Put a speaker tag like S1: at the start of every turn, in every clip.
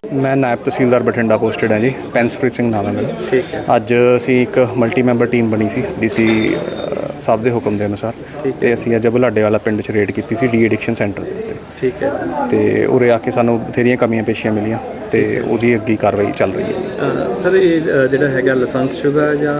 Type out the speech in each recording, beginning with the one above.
S1: मैं नायब तहसीलदार बठिंडा पोस्टेड है जी। पेनसप्रीत सिंह नाम है मेरा।
S2: ठीक है।
S1: ਅੱਜ ਅਸੀਂ ਇੱਕ ਮਲਟੀ ਮੈਂਬਰ ਟੀਮ ਬਣੀ ਸੀ ਡੀਸੀ ਸਾਹਿਬ ਦੇ ਹੁਕਮ ਦੇ ਅਨੁਸਾਰ ਤੇ ਅਸੀਂ ਅੱਜ ਬੁਲਾਡੇ ਵਾਲਾ ਪਿੰਡ 'ਚ ਰੇਡ ਕੀਤੀ ਸੀ ਡੀ ਐਡਿਕਸ਼ਨ ਸੈਂਟਰ ਦੇ ਉੱਤੇ।
S2: ਠੀਕ ਹੈ।
S1: ਤੇ ਉਰੇ ਆ ਕੇ ਸਾਨੂੰ ਬਥੇਰੀਆਂ ਕਮੀਆਂ ਪੇਸ਼ੀਆਂ ਮਿਲੀਆਂ ਤੇ ਉਹਦੀ ਅੱਗੇ ਕਾਰਵਾਈ ਚੱਲ ਰਹੀ ਹੈ।
S2: ਸਰ ਇਹ ਜਿਹੜਾ ਹੈਗਾ ਲਾਇਸੈਂਸਸ਼ੁਦਾ ਜਾਂ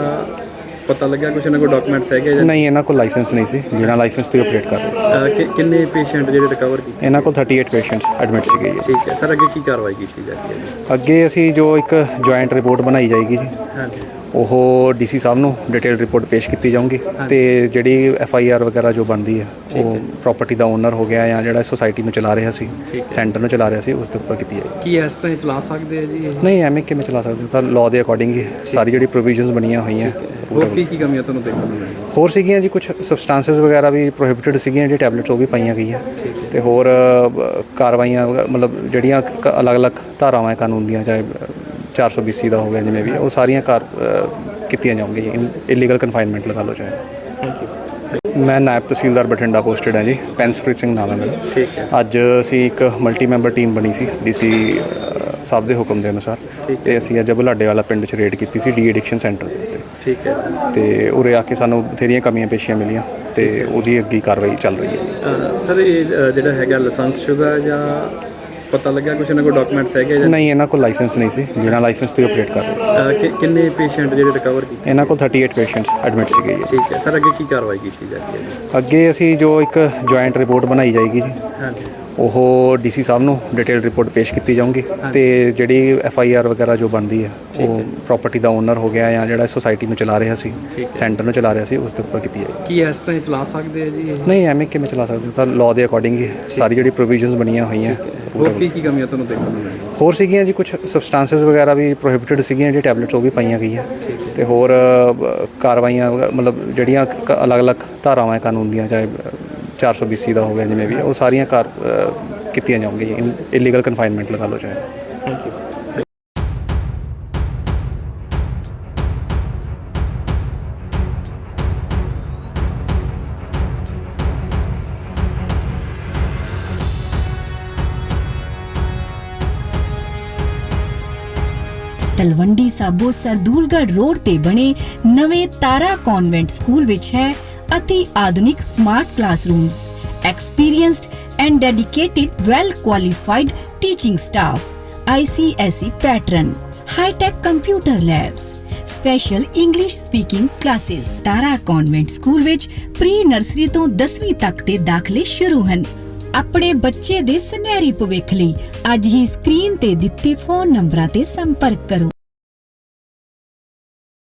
S2: ਪਤਾ ਲੱਗਿਆ ਕੁਛ ਇਹਨਾਂ ਕੋਲ ਡਾਕੂਮੈਂਟਸ ਹੈਗੇ ਜਾਂ
S1: ਨਹੀਂ, ਇਹਨਾਂ ਕੋਲ ਲਾਇਸੈਂਸ ਨਹੀਂ ਸੀ, ਬਿਨਾਂ ਲਾਇਸੈਂਸ ਤੋਂ ਆਪਰੇਟ ਕਰ ਰਹੇ ਸੀ।
S2: ਕਿੰਨੇ ਪੇਸ਼ੈਂਟ ਜਿਹੜੇ ਰਿਕਵਰ ਕੀਤੇ?
S1: ਇਹਨਾਂ ਕੋਲ 38 ਪੇਸ਼ੈਂਟਸ ਐਡਮਿਟ ਸੀਗੇ ਜੀ।
S2: ਠੀਕ ਹੈ ਸਰ, ਅੱਗੇ ਕੀ ਕਾਰਵਾਈ ਕੀਤੀ ਜਾਂਦੀ ਹੈ ਜੀ?
S1: ਅੱਗੇ ਅਸੀਂ ਜੋ ਇੱਕ ਜੁਆਇੰਟ ਰਿਪੋਰਟ ਬਣਾਈ ਜਾਏਗੀ ਜੀ,
S2: ਹਾਂਜੀ,
S1: ਉਹ ਡੀਸੀ ਸਾਹਿਬ ਨੂੰ ਡਿਟੇਲ ਰਿਪੋਰਟ ਪੇਸ਼ ਕੀਤੀ ਜਾਊਗੀ ਤੇ ਜਿਹੜੀ FIR ਵਗੈਰਾ ਜੋ ਬਣਦੀ ਹੈ ਉਹ ਪ੍ਰਾਪਰਟੀ ਦਾ ਓਨਰ ਹੋ ਗਿਆ ਜਾਂ ਜਿਹੜਾ ਸੋਸਾਇਟੀ ਨੂੰ ਚਲਾ ਰਿਹਾ ਸੀ, ਸੈਂਟਰ ਨੂੰ ਚਲਾ ਰਿਹਾ ਸੀ, ਉਸ ਦੇ ਉੱਪਰ ਕੀਤੀ ਜਾਏਗੀ।
S2: ਕੀ ਇਸ ਤਰ੍ਹਾਂ ਹੀ ਚਲਾ ਸਕਦੇ ਆ ਜੀ ਇਹ?
S1: ਨਹੀਂ, ਐਵੇਂ ਕਿਵੇਂ ਚਲਾ ਸਕਦੇ? ਤਾਂ ਲਾਅ ਦੇ ਅਕੋਰਡਿੰਗ ਹੀ ਸਾਰੀ ਜਿਹੜੀ ਪ੍ਰੋਵੀਜ਼ਨਸ ਬਣੀਆਂ ਹੋਈਆਂ।
S2: ਹੋਰ ਕੀ ਕਮੀਆਂ ਤੁਹਾਨੂੰ ਦੇਖਣ ਨੂੰ ਮਿਲੀਆਂ?
S1: ਹੋਰ ਸੀਗੀਆਂ ਜੀ, ਕੁਝ ਸਬਸਟੈਂਸਸ ਵਗੈਰਾ ਵੀ ਪ੍ਰੋਹਿਬਿਟਡ ਸੀਗੀਆਂ, ਜਿਹੜੀ ਟੈਬਲੇਟਸ ਉਹ ਵੀ ਪਾਈਆਂ ਗਈਆਂ ਤੇ ਹੋਰ ਕਾਰਵਾਈਆਂ ਮਤਲਬ ਜਿਹੜੀਆਂ ਅਲੱਗ-ਅਲੱਗ ਧਾਰਾਵਾਂ ਕਾਨੂੰਨ ਦੀਆਂ, ਚਾਹੇ 420 ਦਾ ਹੋ ਗਿਆ, ਜਿਵੇਂ ਵੀ ਉਹ ਸਾਰੀਆਂ ਕੀਤੀਆਂ ਜਾਊਗੀਆਂ। ਇਲੀਗਲ ਕਨਫਾਈਨਮੈਂਟ ਲਗਾ ਲਓ ਚਾਹੇ।
S2: Thank you.
S1: ਮੈਂ ਨਾਇਬ ਤਹਿਸੀਲਦਾਰ ਬਠਿੰਡਾ ਪੋਸਟਡ ਹੈ ਜੀ। ਪੈਨਸਪ੍ਰੀਤ ਸਿੰਘ ਨਾਮ ਹੈ ਮੇਰਾ।
S2: ਠੀਕ ਹੈ।
S1: ਅੱਜ ਅਸੀਂ ਇੱਕ ਮਲਟੀ ਮੈਂਬਰ ਟੀਮ ਬਣੀ ਸੀ ਡੀਸੀ ਸਾਹਿਬ ਦੇ ਹੁਕਮ ਦੇ ਅਨੁਸਾਰ ਤੇ ਅਸੀਂ ਅੱਜ ਬੁਲਾਡੇ ਵਾਲਾ ਪਿੰਡ 'ਚ ਰੇਡ ਕੀਤੀ ਸੀ ਡੀ ਐਡਿਕਸ਼ਨ ਸੈਂਟਰ ਦੇ ਉੱਤੇ।
S2: ਠੀਕ ਹੈ।
S1: ਤੇ ਉਰੇ ਆ ਕੇ ਸਾਨੂੰ ਬਥੇਰੀਆਂ ਕਮੀਆਂ ਪੇਸ਼ੀਆਂ ਮਿਲੀਆਂ ਤੇ ਉਹਦੀ ਅੱਗੇ ਕਾਰਵਾਈ ਚੱਲ ਰਹੀ ਹੈ।
S2: ਸਰ ਇਹ ਜਿਹੜਾ ਹੈਗਾ ਲਾਇਸੈਂਸਸ਼ੁਦਾ ਜਾਂ ਪਤਾ ਲੱਗਿਆ ਕੁਛ ਇਹਨਾਂ ਕੋਲ ਡਾਕੂਮੈਂਟਸ ਹੈਗੇ ਜਾਂ
S1: ਨਹੀਂ, ਇਹਨਾਂ ਕੋਲ ਲਾਇਸੈਂਸ ਨਹੀਂ ਸੀ, ਬਿਨਾਂ ਲਾਇਸੈਂਸ ਤੋਂ ਆਪਰੇਟ ਕਰ ਰਹੇ ਸੀ।
S2: ਕਿੰਨੇ ਪੇਸ਼ੈਂਟ ਜਿਹੜੇ ਰਿਕਵਰ ਕੀਤੇ?
S1: ਇਹਨਾਂ ਕੋਲ 38 ਪੇਸ਼ੈਂਟਸ ਐਡਮਿਟ ਸੀਗੇ ਜੀ।
S2: ਠੀਕ ਹੈ ਸਰ, ਅੱਗੇ ਕੀ ਕਾਰਵਾਈ ਕੀਤੀ ਜਾਂਦੀ ਹੈ ਜੀ?
S1: ਅੱਗੇ ਅਸੀਂ ਜੋ ਇੱਕ ਜੁਆਇੰਟ ਰਿਪੋਰਟ ਬਣਾਈ ਜਾਏਗੀ ਜੀ,
S2: ਹਾਂਜੀ,
S1: ਉਹ ਡੀਸੀ ਸਾਹਿਬ ਨੂੰ ਡਿਟੇਲ ਰਿਪੋਰਟ ਪੇਸ਼ ਕੀਤੀ ਜਾਊਗੀ ਤੇ ਜਿਹੜੀ FIR ਵਗੈਰਾ ਜੋ ਬਣਦੀ ਹੈ ਉਹ ਪ੍ਰਾਪਰਟੀ ਦਾ ਓਨਰ ਹੋ ਗਿਆ ਜਾਂ ਜਿਹੜਾ ਸੋਸਾਇਟੀ ਨੂੰ ਚਲਾ ਰਿਹਾ ਸੀ, ਸੈਂਟਰ ਨੂੰ ਚਲਾ ਰਿਹਾ ਸੀ, ਉਸ ਦੇ ਉੱਪਰ ਕੀਤੀ ਜਾਏਗੀ।
S2: ਕੀ ਇਸ ਤਰ੍ਹਾਂ ਹੀ ਚਲਾ ਸਕਦੇ ਆ ਜੀ ਇਹ?
S1: ਨਹੀਂ, ਐਵੇਂ ਕਿਵੇਂ ਚਲਾ ਸਕਦੇ? ਤਾਂ ਲਾਅ ਦੇ ਅਕੋਰਡਿੰਗ ਹੀ ਸਾਰੀ ਜਿਹੜੀ ਪ੍ਰੋਵੀਜ਼ਨਸ ਬਣੀਆਂ ਹੋਈਆਂ।
S2: ਹੋਰ ਕੀ ਕਮੀਆਂ ਤੁਹਾਨੂੰ ਦੇਖਣ ਨੂੰ ਮਿਲੀਆਂ?
S1: ਹੋਰ ਸੀਗੀਆਂ ਜੀ, ਕੁਝ ਸਬਸਟੈਂਸਸ ਵਗੈਰਾ ਵੀ ਪ੍ਰੋਹਿਬਿਟਡ ਸੀਗੀਆਂ, ਜਿਹੜੀ ਟੈਬਲੇਟਸ ਉਹ ਵੀ ਪਾਈਆਂ ਗਈਆਂ ਤੇ ਹੋਰ ਕਾਰਵਾਈਆਂ ਮਤਲਬ ਜਿਹੜੀਆਂ ਅਲੱਗ-ਅਲੱਗ ਧਾਰਾਵਾਂ ਕਾਨੂੰਨ ਦੀਆਂ, ਚਾਹੇ 420 ਦਾ ਹੋ ਗਿਆ, ਜਿਵੇਂ ਵੀ ਉਹ ਸਾਰੀਆਂ ਕੀਤੀਆਂ ਜਾਊਗੀਆਂ। ਇਲੀਗਲ ਕਨਫਾਈਨਮੈਂਟ ਲਗਾ ਲਓ ਚਾਹੇ।
S2: Thank you.
S3: Talwandi Sabo Sardulgarh road ਤੇ ਬਣੇ ਨਵੇਂ ਤਾਰਾ ਕਨਵੈਂਟ ਸਕੂਲ ਵਿੱਚ ਹੈ ਅਤੀ ਆਧੁਨਿਕ smart classrooms, experienced and dedicated well qualified teaching staff, ICSE pattern, high tech computer labs, special English speaking classes। Tara convent school ਵਿੱਚ ਪ੍ਰੀ ਨਰਸਰੀ ਤੋਂ 10ਵੀਂ ਤੱਕ ਦੇ ਦਾਖਲੇ ਸ਼ੁਰੂ ਹਨ। ਆਪਣੇ ਬੱਚੇ ਦੇ ਸੁਨਹਿਰੀ ਭਵਿੱਖ ਲਈ ਅੱਜ ਹੀ ਸਕਰੀਨ ਤੇ ਦਿੱਤੇ ਫੋਨ ਨੰਬਰਾਂ ਤੇ ਸੰਪਰਕ ਕਰੋ।